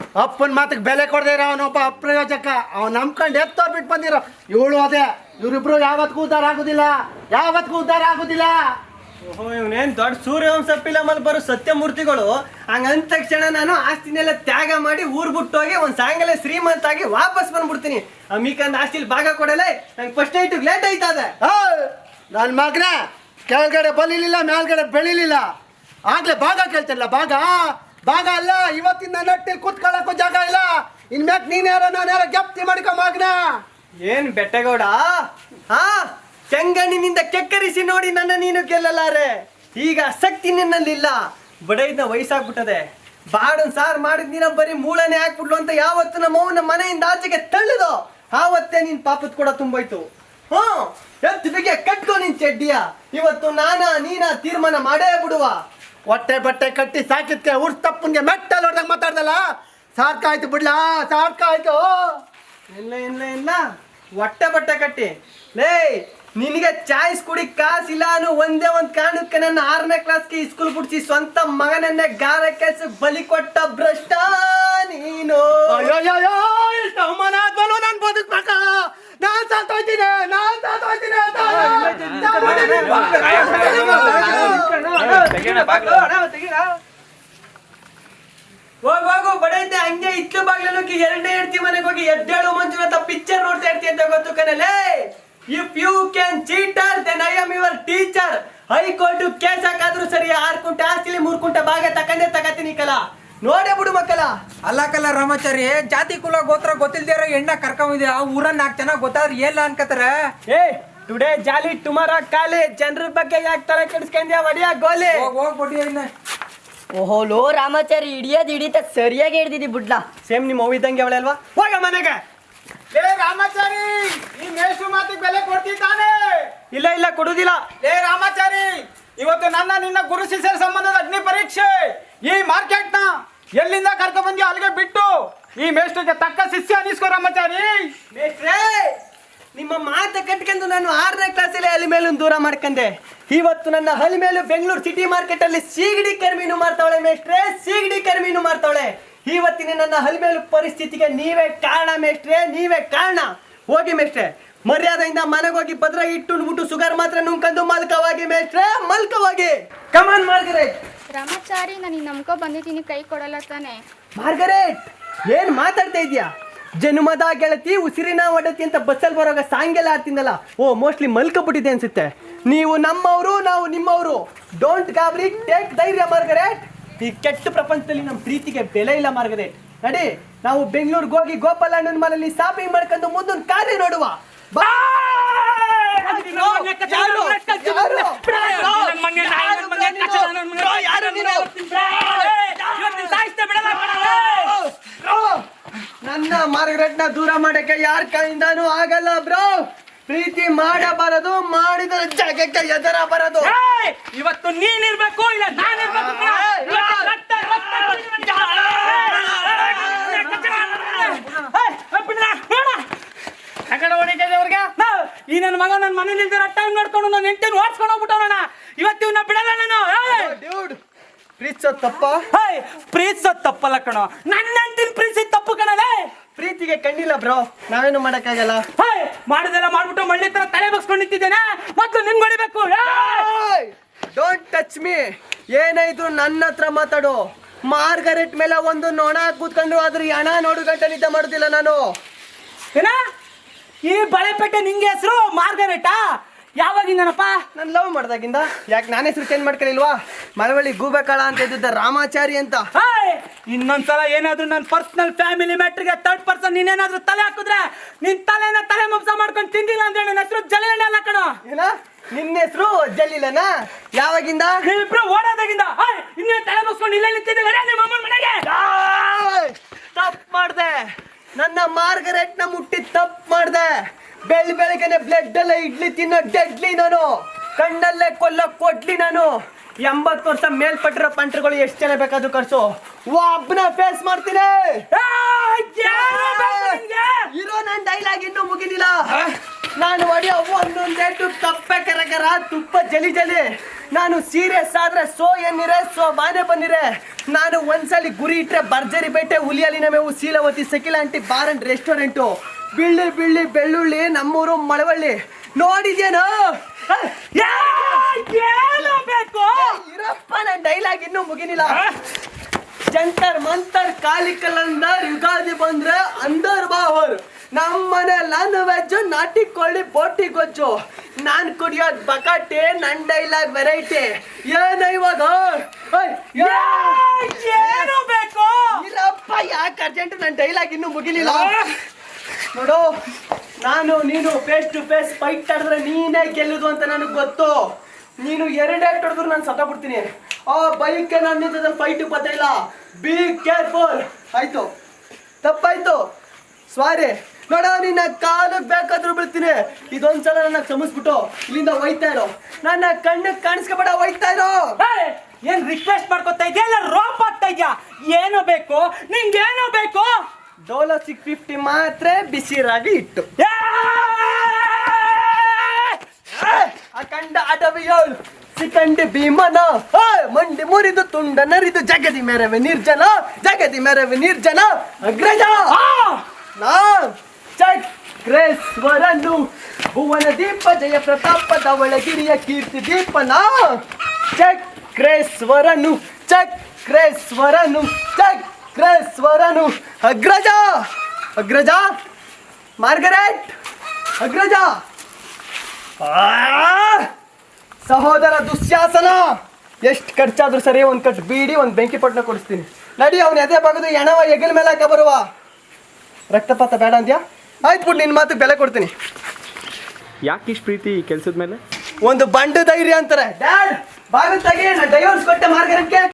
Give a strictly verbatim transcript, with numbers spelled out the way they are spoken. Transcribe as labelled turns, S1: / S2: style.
S1: ಅಪ್ಪನ ಮಾತಿಗೆ ಬೆಲೆ ಕೊಡದೇ ಇರೋ ಅವನೊಬ್ಬ ಅಪ್ರಯೋಜಕ. ಅವ್ನು ನಂಬ್ಕೊಂಡು ಎತ್ತೋ ಬಿಟ್ಟು ಬಂದಿರೋ ಇವಳು ಅದೇ. ಇವರಿಬ್ರು ಯಾವತ್ತಿಗೂ ಉದ್ಧಾರ ಆಗುದಿಲ್ಲ, ಯಾವತ್ತಿಗೂ ಉದ್ಧಾರ ಆಗುದಿಲ್ಲ.
S2: ಓಹೋ, ಇವನೇನ್ ದೊಡ್ಡ ಸೂರ್ಯವಂಶ ಫಿಲಮಲ್ಲಿ ಬರೋ ಸತ್ಯಮೂರ್ತಿಗಳು. ಹಂಗಂದ ತಕ್ಷಣ ನಾನು ಆಸ್ತಿನೆಲ್ಲ ತ್ಯಾಗ ಮಾಡಿ ಊರ್ ಬಿಟ್ಟೋಗಿ ಒಂದ್ ಸಾಯಂಕಾಲ ಶ್ರೀಮಂತ ಆಗಿ ವಾಪಸ್ ಬಂದ್ಬಿಡ್ತೀನಿ. ಅಮಿಕಂದ್ ಆಸ್ತಿಲಿ ಭಾಗ ಕೊಡಲ್ಲ, ನಂಗೆ ಫಸ್ಟ್ ನೈಟ್ ಲೇಟ್ ಆಯ್ತದೆ.
S1: ನನ್ನ ಮಗ್ನ ಕೆಳಗಡೆ ಬಲಿಲಿಲ್ಲ, ಮೇಲ್ಗಡೆ ಬೆಳಿಲಿಲ್ಲ, ಆಗ್ಲೇ ಭಾಗ ಕೇಳ್ತಿಲ್ಲ. ಭಾಗ ಭಾಗ ಅಲ್ಲ, ಇವತ್ತಿನ ನಟ್ಟಿ ಕೂತ್ಕೊಳ್ಳಕ್ಕೂ ಜಾಗ ಇಲ್ಲ. ಇನ್ಮ್ಯಾಕ್ ನೀನ್ ಯಾರೋ ನಾನು ಯಾರೋ ಗೆಪ್ತಿ ಮಾಡ್ಕೊ ಮಗ್ನ.
S2: ಏನ್ ಬೆಟ್ಟಗೌಡ, ಹಾ ಚೆಂಗಣ್ಣಿನಿಂದ ಕೆಕ್ಕರಿಸಿ ನೋಡಿ ನನ್ನ ನೀನು ಗೆಲ್ಲಲಾರೆ. ಈಗ ಆಸಕ್ತಿ ನಿನ್ನಲ್ಲಿಲ್ಲ, ಬಡೈದ ವಯಸ್ಸಾಗ್ಬಿಟ್ಟದೆ. ಬಾಡನ್ ಸಾರ್ ಮಾಡಿದ್ ನೀನ ಬರೀ ಮೂಳನೆ ಹಾಕ್ಬಿಡ್ಲು ಅಂತ ಯಾವತ್ತು ನಮ್ಮ ಅವನ ಮನೆಯಿಂದ ಆಚೆಗೆ ತಳ್ಳಿದೋ ಆವತ್ತೇ ನಿನ್ ಪಾಪತ್ ಕೂಡ ತುಂಬೋಯ್ತು. ಹ್ಮ್ ಎತ್ತು ಬಿಗೆ ಕಟ್ಕೋ ನಿನ್ ಚಡ್ಡಿಯ. ಇವತ್ತು ನಾನ ನೀನ ತೀರ್ಮಾನ ಮಾಡೇ ಬಿಡುವ.
S1: ಹೊಟ್ಟೆ ಬಟ್ಟೆ ಕಟ್ಟಿ ಸಾಕಿದ್ಕೆ ಉರ್ಸ್ ತಪ್ಪನ್ಗೆ ಮೆಟ್ಟಲ್ ಹೊಡೆದಾಗ ಮಾತಾಡ್ದಲ್ಲ, ಸಾಕಾಯ್ತು ಬಿಡ್ಲಾ, ಸಾಕಾಯ್ತು.
S2: ಇಲ್ಲ ಇಲ್ಲ ಇಲ್ಲ, ಹೊಟ್ಟೆ ಬಟ್ಟೆ ಕಟ್ಟಿ ಲೇ ನಿನಗೆ ಚಾಯ್ಸ್ ಕುಡಿ ಕಾಸಿಲ್ಲ ಅನ್ನೋ ಒಂದೇ ಒಂದ್ ಕಾರಣಕ್ಕೆ ನನ್ನ ಆರನೇ ಕ್ಲಾಸ್ಗೆ ಸ್ಕೂಲ್ ಬಿಡ್ಸಿ ಸ್ವಂತ ಮಗನನ್ನೇ ಗಾರ ಕೆಲ್ಸ ಬಲಿ ಕೊಟ್ಟ ಭ್ರಷ್ಟ ನೀನು.
S1: ಇಷ್ಟು ಅವಮಾನ ಆದ್ಮೇಲೂ ನಾನು ಬದುಕ್ಬೇಕ? ನಾನ್ ಸಾತೋಯ್ತೀನಿ, ನಾನ್ ಸಾತೋಯ್ತೀನಿ.
S2: ಹೋಗ್ ಹೋಗು ಬಡೈತೆ, ಹಂಗೆ ಇತ್ತು ಬಾಗ್ಲಲ್ಲಿ ಎರಡನೇ ಹೆಡ್ತಿ ಮನೆಗೆ ಹೋಗಿ ಎದ್ದೇಳು ಮಂಜುನಾಥ ಪಿಕ್ಚರ್ ನೋಡ್ತಾ ಇರ್ತಿ ಅಂತ ಗೊತ್ತು ಕಣಲೇ. If you can cheater then I am your teacher. High court case ಹಾಕಾದ್ರು ಸರಿ, ಆರ್ ಕುಂಟೆ ಆಸ್ತಿಲಿ ಮೂರ್ ಕುಂಟೆ ಭಾಗ ತಕೊಂಡೇ ತಗತೀನಿ ಕಲ. ನೋಡೇ ಬಿಡು ಮಕ್ಕಳ.
S3: ಅಲ್ಲ ಕಲ್ಲ ರಾಮಾಚಾರಿ, ಜಾತಿ ಕುಲ ಗೋತ್ರ ಗೊತ್ತಿಲ್ದೇ ಇರೋ ಹೆಣ್ಣ ಕರ್ಕೊಂಡಿದ್ದೆ. ಆ ಊರನ್ನ ನಾಲ್ಕು ಜನ ಗೊತ್ತಾದ್ರೆ ಏಲ್ಲ ಅನ್ಕತಾರ.
S2: ಏ ಟುಡೇ ಜಾಲಿ ಟುಮಾರೋ ಕಾಲಿ, ಜನರ ಬಗ್ಗೆ ಯಾಕೆ ತಲೆ ಕೆಡಿಸ್ಕೊಂಡ್ಯಾ ಒಡಿಯ ಗೋಲಿ.
S3: ಹೋಗ್ಬಿಡಿ ಇನ್ನ.
S4: ಓಹೋ ಲೋ ರಾಮಾಚಾರಿ, ಹಿಡಿಯೋದು ಹಿಡಿತ ಸರಿಯಾಗಿ ಹಿಡ್ದಿದ್ದಿ ಬಿಡ್ಲಾ.
S2: ಸೇಮ್ ನಿಮ್ಮ ಅವ್ವ ಇದ್ದಂಗೆ ಅವಳೆ ಅಲ್ವಾ? ಹೋಗ ಮನೆಗೆ.
S1: ಲೇ ರಾಮಾಚಾರಿ, ಈ ಮೇಷು ಮಾತಿಗೆ ಬೆಲೆ ಕೊಡ್ತಿದ್ದಾನೆ?
S2: ಇಲ್ಲ ಇಲ್ಲ ಕೊಡುದಿಲ್ಲ.
S1: ಲೇ ರಾಮಾಚಾರಿ, ಇವತ್ತು ನನ್ನ ನಿನ್ನ ಗುರು ಶಿಷ್ಯರ ಸಂಬಂಧದ ಅಗ್ನಿ ಪರೀಕ್ಷೆ. ಈ ಮಾರ್ಕೆಟ್ ನ ಎಲ್ಲಿಂದ ಕರ್ಕೊಂಡ್ ಬಂದ್ಯೋ ಅಲ್ಲಿಗೆ ಬಿಟ್ಟು ಈ ಮೇಷ್ಟ್ರಿಗೆ ತಕ್ಕ ಶಿಷ್ಯ ಅನಿಸ್ಕೋ ರಾಮಾಚಾರಿ.
S2: ಮೇಷ್ಟ್ರೇ, ನಿಮ್ಮ ಮಾತ ಕಟ್ಕೊಂಡು ನಾನು ಆರನೇ ಕ್ಲಾಸಲ್ಲಿ ಹಲಿ ಮೇಲೂ ದೂರ ಮಾಡ್ಕೊಂಡೆ. ಇವತ್ತು ನನ್ನ ಹಲಿ ಮೇಲೂ ಬೆಂಗಳೂರು ಸಿಟಿ ಮಾರ್ಕೆಟ್ ಅಲ್ಲಿ ಸೀಗಡಿ ಕರ್ಮೀನು ಮಾಡ್ತಾವಳೆ ಮೇಷ್ಟ್ರೆ, ಸೀಗಡಿ ಕರ್ಮೀನು ಮಾಡ್ತಾವಳೆ. ಇವತ್ತಿನ ನನ್ನ ಹಲಿ ಮೇಲೂ ಪರಿಸ್ಥಿತಿಗೆ ನೀವೇ ಕಾರಣ ಮೇಷ್ಟ್ರೆ, ನೀವೇ ಕಾರಣ. ಹೋಗಿ ಮೇಷ್ಟ್ರೆ, ಮರ್ಯಾದೆಯಿಂದ ಮನೆಗೆ ಹೋಗಿ ಭದ್ರ ಇಟ್ಟು ಉಂಡ್ಬಿಟ್ಟು ಸುಗರ್ ಮಾತ್ರ ನುಂಕಂದು ಮಲ್ಕವಾಗಿ ಮೇಷ್ಟ್ರೆ, ಮಲ್ಕವಾಗಿ. ಕಮಾನ್ ಮಾರ್ಗರೇಟ್.
S5: ರಾಮಾಚಾರಿ, ನಾನು ನಂಬ್ಕೊ ಬಂದಿದ್ದೀನಿ, ಕೈ ಕೊಡಲ್ಲ ತಾನೆ?
S2: ಮಾರ್ಗರೇಟ್, ಏನ್ ಮಾತಾಡ್ತಾ ಇದ್ಯಾ? ಜನ್ಮದ ಗೆಳತಿ ಉಸಿರಿನ ಒಡತಿ ಅಂತ ಬಸ್ಸಲ್ಲಿ ಬರೋವಾಗ ಸಾಂಗೆಲ್ಲ ಆಡ್ತಿಂದಲ್ಲ. ಓ ಮೋಸ್ಟ್ಲಿ ಮಲ್ಕೊಬಿಟ್ಟಿದೆ ಅನ್ಸುತ್ತೆ. ನೀವು ನಮ್ಮವರು, ನಾವು ನಿಮ್ಮವರು. ಡೋಂಟ್ ಗಾಬರಿ, ಟೇಕ್ ಧೈರ್ಯ ಮಾರ್ಗರೇಟ್. ಈ ಕೆಟ್ಟ ಪ್ರಪಂಚದಲ್ಲಿ ನಮ್ಮ ಪ್ರೀತಿಗೆ ಬೆಲೆ ಇಲ್ಲ ಮಾರ್ಗರೇಟ್. ನಡಿ, ನಾವು ಬೆಂಗಳೂರಿಗೆ ಹೋಗಿ ಗೋಪಾಲ ಅಣ್ಣನ ಮನೆಯಲ್ಲಿ ಶಾಪಿಂಗ್ ಮಾಡ್ಕೊಂಡು ಮುಂದೊಂದು ಕಾರ್ಯ ನೋಡುವ. ಬಾ. ನನ್ನ ಮಾರ್ಗರೇಟ್ನ ದೂರ ಮಾಡಕ್ಕೆ ಯಾರ ಕೈಯಿಂದಾನು ಆಗಲ್ಲ ಬ್ರೋ. ಪ್ರೀತಿ ಮಾಡಬಾರದು, ಮಾಡಿದ ಜಾಗಕ್ಕೆ ಎದರ ಬರದು.
S6: ಇವತ್ತು ನೀನಿರ್ಬೇಕು, ಇಲ್ಲ ನಾನಿರ್ಬೇಕು. ಈ ನನ್ನ ಮಗ ನನ್ನ ಮನೇಲಿ ಟೈಮ್ ನೋಡ್ಕೊಂಡು ನಾನು ಎಂಟು ಓಡಿಸ್ಕೊಂಡು ಹೋಗ್ಬಿಟ್ಟವಣ. ಇವತ್ತು ಇವನ್ನ ಬಿಡಲ್ಲ ನಾನು.
S2: ಪ್ರೀತಿಸೋ ತಪ್ಪ?
S6: ಪ್ರೀತಿಸೋ ತಪ್ಪಲ್ಲ ಕಣೋ, ನನ್ನ ಅಂತಿನ ಪ್ರೀತಿ ತಪ್ಪು ಕಣಲೇ.
S2: ಪ್ರೀತಿಗೆ ಕಣ್ಣಿಲ್ಲ ಬ್ರೋ, ನಾವೇನು ಮಾಡಕ್ಕಾಗಲ್ಲ.
S6: ಮಾಡುದೆಲ್ಲ ಮಾಡ್ಬಿಟ್ಟು ಮಳ್ಳಿ ತರ ತಲೆ ಬಗ್ಸ್ಕೊಂಡು ನಿಂತಿದ್ದೇನೆ. ಮೊದ್ಲು ನಿನ್ ಹೊಡಿಬೇಕು.
S2: Don't touch me. ಏನಾಯ್ತು ನನ್ನ ಹತ್ರ ಮಾತಾಡು. ಮಾರ್ಗರೆಟ್ ಮೇಲೆ ಒಂದು ನೊಣ ಕೂತ್ಕೊಂಡು ಅದ್ರ ಹಣ ನೋಡು ಗಂಟೆ ನಿದ್ದೆ ಮಾಡುದಿಲ್ಲ ನಾನು.
S6: ಏನ ಈ ಬಳೆಪೇಟೆ ನಿಂಗೆ ಹೆಸರು ಮಾರ್ಗರೆಟಾ? ಯಾವಾಗಿಂದನಪ್ಪ?
S2: ನಾನು ಲವ್ ಮಾಡ್ದಾಗಿಂದ. ಯಾಕೆ ನಾನು ಹೆಸರು ಚೇಂಜ್ ಮಾಡ್ಕೊಳ್ಳಿಲ್ವಾ? ಮಳವಳ್ಳಿ ಗೂಬೆಕಾಳ ಅಂತ ಇದ್ದಿದ್ದ ರಾಮಾಚಾರಿ ಅಂತ.
S6: ಇನ್ನೊಂದ್ಸಲ ಏನಾದ್ರು ನನ್ನ ಪರ್ಸನಲ್ ಫ್ಯಾಮಿಲಿ ಮ್ಯಾಟ್ರಿಗೆ ಥರ್ಡ್ ಪರ್ಸನ್ ನೀನೇನಾದ್ರೂ ತಲೆ ಹಾಕಿದ್ರೆ ನಿನ್ ತಲೆನ ತಲೆ ಮಬ್ಸ ಮಾಡ್ಕೊಂಡು ತಿಂದಿಲ್ಲ ಅಂದ್ರೆ ನನ್ನ ಹೆಸರು ಜಲೀಲನೇ ಅಲ್ಲ ಕಣೋ.
S2: ಏನ ನಿನ್ನ ಹೆಸರು ಜಲೀಲನಾ? ಯಾವಾಗಿಂದ?
S6: ಇಬ್ರು ಓಡೋದಾಗಿಂದ. ಇನ್ನೇ ತಲೆ ಮುಗಿಸ್ಕೊಂಡು ಇಲ್ಲೇ ನಿಂತಿದ್ದೆ ನಿಮ್ಮ ಅಮ್ಮನ ಮನೆಗೆ.
S2: ತಪ್ಪು ಮಾಡ್ದೆ, ನನ್ನ ಮಾರ್ಗರೆಟ್ ನ ಮುಟ್ಟಿ ತಪ್ಪು ಮಾಡ್ದೆ. ಬೆಳ್ ಬೆಳಗ್ಗೆನೆ ಬ್ಲಡ್ ಎಲ್ಲ ಇಡ್ಲಿ ತಿನ್ನೋ ಡೆಡ್ಲಿ ನಾನು. ಕಣ್ಣಲ್ಲೇ ಕೊಲ್ಲೋ ಕೊಡ್ಲಿ ನಾನು. ಎಂಬತ್ತು ವರ್ಷ ಮೇಲ್ಪಟ್ಟಿರೋ ಪಂಟ್ರುಗಳು ಎಷ್ಟು ಜನ ಬೇಕಾದ್ರು ಕರ್ಸು, ಒಬ್ಬನ ಫೇಸ್ ಮಾಡ್ತೀನಿ. ಇರೋ ನನ್ನ ಡೈಲಾಗ್ ಇನ್ನೂ ಮುಗಿದಿಲ್ಲ. ನಾನು ಹೊಡೆಯೋ ಒಂದೊಂದೇಟು ತಪ್ಪೆ ಕರಕರ ತುಪ್ಪ ಜಲಿ ಜಲಿ. ನಾನು ಸೀರಿಯಸ್ ಆದ್ರೆ ಸೋ ಎನ್ನಿರೆ ಸೋ ಬಾನೆ ಬನ್ನಿರೆ. ನಾನು ಒಂದ್ಸಲಿ ಗುರಿ ಇಟ್ರೆ ಭರ್ಜರಿ ಬೇಟೆ ಹುಲಿಯಲಿನ ಮೇವು ಶೀಲವತಿ Shakila aunty bar and restaurant ಬಿಳ್ಳಿ ಬಿಳ್ಳಿ ಬೆಳ್ಳುಳ್ಳಿ ನಮ್ಮೂರು ಮಳವಳ್ಳಿ ನೋಡಿದ್ಯೇನೋ?
S6: ಏನು ಬೇಕು?
S2: ಇರಪ್ಪ ನನ್ನ ಡೈಲಾಗ್ ಇನ್ನೂ ಮುಗಿನಿಲ್ಲ. ಜಂತರ್ ಮಂತರ್ ಕಾಲಿ ಕಲಂದರ್ ಯುಗಾದಿ ಬಂದ್ರೆ ಅಂದರ್ ಬಾವರ್ ನಮ್ಮನೆ ನಾನ್ ವೆಜ್ ನಾಟಿ ಕೋಳಿ ಬೋಟಿ ಗೊಜ್ಜು ನಾನ್ ಕುಡಿಯೋದ್ ಬಕಾಟೆ ನನ್ ಡೈಲಾಗ್ ವೆರೈಟಿ. ಏನ ಇವಾಗ
S6: ಏನು ಬೇಕು?
S2: ಇಲ್ಲಪ್ಪ ಯಾಕೆ ಅರ್ಜೆಂಟ್ ನನ್ನ ಡೈಲಾಗ್ ಇನ್ನೂ ಮುಗಿಲಿಲ್ಲ ನೋಡು. ನಾನು ನೀನು ಫೇಸ್ ಟು ಫೇಸ್ ಫೈಟ್ ಆಡಿದ್ರೆ ನೀನೇ ಗೆಲ್ಲುದು ಅಂತ ನನಗೆ ಗೊತ್ತು. ನೀನು ಎರಡೇ ಹೊಡೆದ್ರು ನಾನು ಸತ್ತ ಬಿಡ್ತೀನಿ. ಆ ಬೈಕ್ ನಾನು ನಿಂತದಲ್ಲಿ ಫೈಟ್ ಗೊತ್ತಿಲ್ಲ. Be careful. ಆಯ್ತು, ತಪ್ಪಾಯ್ತು, ಸಾರಿ. ನೋಡ, ನಿನ್ನ ಕಾಲಕ್ಕೆ ಬೇಕಾದ್ರೂ ಬೀಳ್ತೀನಿ. ಇದೊಂದ್ಸಲ ನನ್ನ ಕ್ಷಮಿಸ್ಬಿಟ್ಟು ಇಲ್ಲಿಂದ ಒಯ್ತಾ ಇರೋ. ನನ್ನ ಕಣ್ಣಿಗೆ ಕಾಣಿಸ್ಕೊಬೇಡ, ಒಯ್ತಾ ಇರೋ.
S6: ಏನ್ ರಿಕ್ವೆಸ್ಟ್ ಮಾಡ್ಕೊತಾ ಇದೆಯಾ ಇಲ್ಲ ರೋಪ್ ಆಗ್ತಾ ಇದೆಯಾ? ಏನು ಬೇಕು ನಿಂಗೇನು ಬೇಕು?
S2: ಡೋಲೋ ಸಿಕ್ಸ್ ಫಿಫ್ಟಿ ಮಾತ್ರ ಬಿಸಿರಾಗಿ ಇಟ್ಟು ಅಖಂಡ ಅಡವಿಯೋಳು ಸಿಕಂಡಿ ಭೀಮನ ಮಂಡಿ ಮುರಿದು ತುಂಡ ನರಿದು ಜಗದಿ ಮೆರವೆ ನಿರ್ಜನ ಜಗದಿ ಮೆರವೆ ನಿರ್ಜನ ಅಗ್ರಜ ನಾ ಚಕ್ರೇಶ್ವರನು ಭುವನ ದೀಪ ಜಯ ಪ್ರತಾಪದ ಒಳಗಿರಿಯ ಕೀರ್ತಿ ದೀಪನ ಚಕ್ರೇಶ್ವರನು ಚಕ್ರೇಶ್ವರನು ಚಕ್ರೇಶ್ವರನು ಅಗ್ರಜ ಅಗ್ರಜ ಮಾರ್ಗರೆಟ್ ಅಗ್ರಜ ಸಹೋದರ ದುಶ್ಯಾಸನ. ಎಷ್ಟು ಖರ್ಚಾದ್ರೂ ಸರಿ ಒಂದು ಕಟ್ ಬೀಡಿ ಒಂದು ಬೆಂಕಿ ಪಟ್ಟಣ ಕೊಡಿಸ್ತೀನಿ. ನಡಿ, ಅವನ ಎದೆ ಬಗದು ಎಣವ ಎಗಲ್ ಮೇಲೆ ಹಾಕ ಬರುವ. ರಕ್ತಪಾತ ಬೇಡ ಅಂದ್ಯಾ? ಆಯ್ತು ಬಿಟ್ಟು ನಿನ್ನ ಮಾತು ಬೆಲೆ ಕೊಡ್ತೀನಿ.
S7: ಯಾಕೆ ಇಷ್ಟು ಪ್ರೀತಿ ಈ ಕೆಲಸದ ಮೇಲೆ?
S2: ಒಂದು ಬಂಡು ಧೈರ್ಯ ಅಂತಾರೆ. ಡ್ಯಾಡ್ ಬಾಗಿಲು ತೆಗಿ, ನಾನು ಡೈವರ್ಸ್ ಕೊಟ್ಟೆ ಮಾರ್ಗರೆಟ್ಗೆ.